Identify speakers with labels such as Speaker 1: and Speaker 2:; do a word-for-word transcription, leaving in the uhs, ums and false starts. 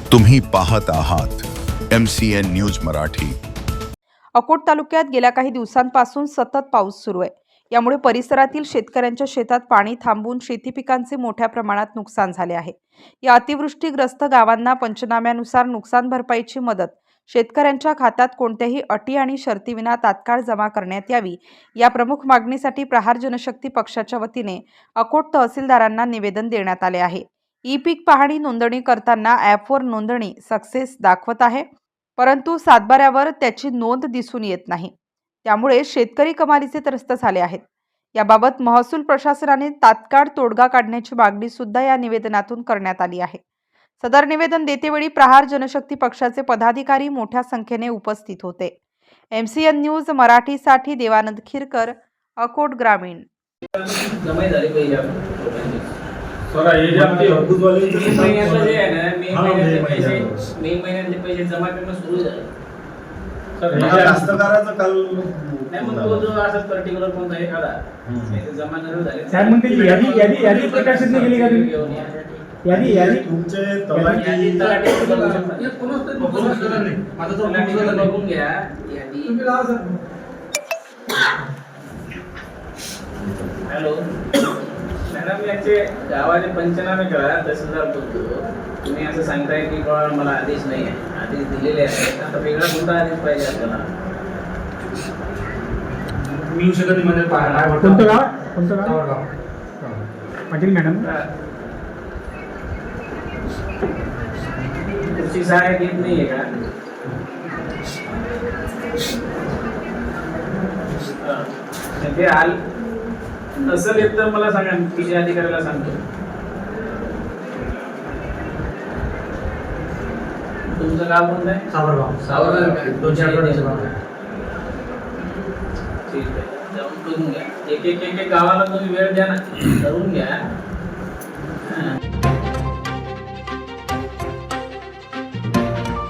Speaker 1: तुम्ही पाहत आहात M C N news Marathi.
Speaker 2: Akot तालुक्यात गेल्या काही दिवसांपासून सतत पाऊस सुरू आहे। यामुळे परिसरातील शेतकऱ्यांच्या शेतात पाणी थांबून शेती पिकांचे मोठ्या प्रमाणात नुकसान झाले आहे। या अतिवृष्टीग्रस्त गावांना पंचनाम्यानुसार नुकसान भरपाईची मदत शेतकऱ्यांच्या खात्यात कोणत्याही अटी आणि शर्तीविना तात्काळ जमा करण्यात यावी, या प्रमुख मागणीसाठी प्रहार जनशक्ती पक्षाच्या वतीने अकोट तहसीलदारांना निवेदन देण्यात आले आहे। ई पीक पाहणी नोंदणी करताना ॲपवर नोंदणी सक्सेस दाखवत आहे, परंतु सातबाऱ्यावर त्याची नोंद दिसून येत नाही। त्यामुळे शेतकरी कमालीचे त्रस्त झाले आहेत। याबाबत महसूल प्रशासनाने तात्काळ तोडगा काढण्याची मागणी सुद्धा या निवेदनातून करण्यात आली आहे। सदर निवेदन देतेवेळी प्रहार जनशक्ती पक्षाचे पदाधिकारी मोठ्या संख्येने उपस्थित होते। एम सी एन न्यूज मराठीसाठी देवानंद खिरकर, अकोट ग्रामीण।
Speaker 3: जमाई झाली पाहिजे
Speaker 4: सर हे जे आमचे हरकुत वाले
Speaker 3: मे महिन्यातलं जे आहे ना, मे महिन्यातले पैसे मे महिन्यातले पैसे जमा करणं सुरू झालं।
Speaker 4: सर हे जे कास्तकाराचं काल
Speaker 3: नाही मग तो जो असं पर्टिक्युलर कोणता एखादा त्याचे जमा जरूर झाले
Speaker 5: साहेब मग त्याची यादी यादी यादी प्रकाशित नाही केली का तुम्ही?
Speaker 3: घेऊन या।
Speaker 5: यादी यादी
Speaker 4: तुमचे
Speaker 3: यादी
Speaker 4: तलाठी
Speaker 3: तलाठी बघू शकता. तलाठीकडे बघून घ्या यादी। हॅलो मॅडम, याचे गावाचे पंचनामे करा, तहसीलदार बोलतो। तुम्ही असं सांगताय की बाबा मला आदेश नाही आहे, आदेश दिलेले आहेत, आता वेगळा कोणता आदेश पाहिजे आपल्याला?
Speaker 4: मी येऊ शकत नाही म्हणजे
Speaker 5: कोणतं गाव कोणतं गाव पाटील मॅडम?
Speaker 3: कृषी सहाय्यक येत नाहीये का? हा. ते आल नसेल येत तर मला सांगा, कृषी अधिकाऱ्याला सांगतो। तुमचं गाव कोणतं आहे?
Speaker 5: सावरगाव
Speaker 3: सावरगाव
Speaker 5: दोनशे अठरा गाव.
Speaker 3: ठीक आहे, जाऊन करून घ्या। एक एक एक एक गावाला तुम्ही वेळ द्या ना, करून घ्या।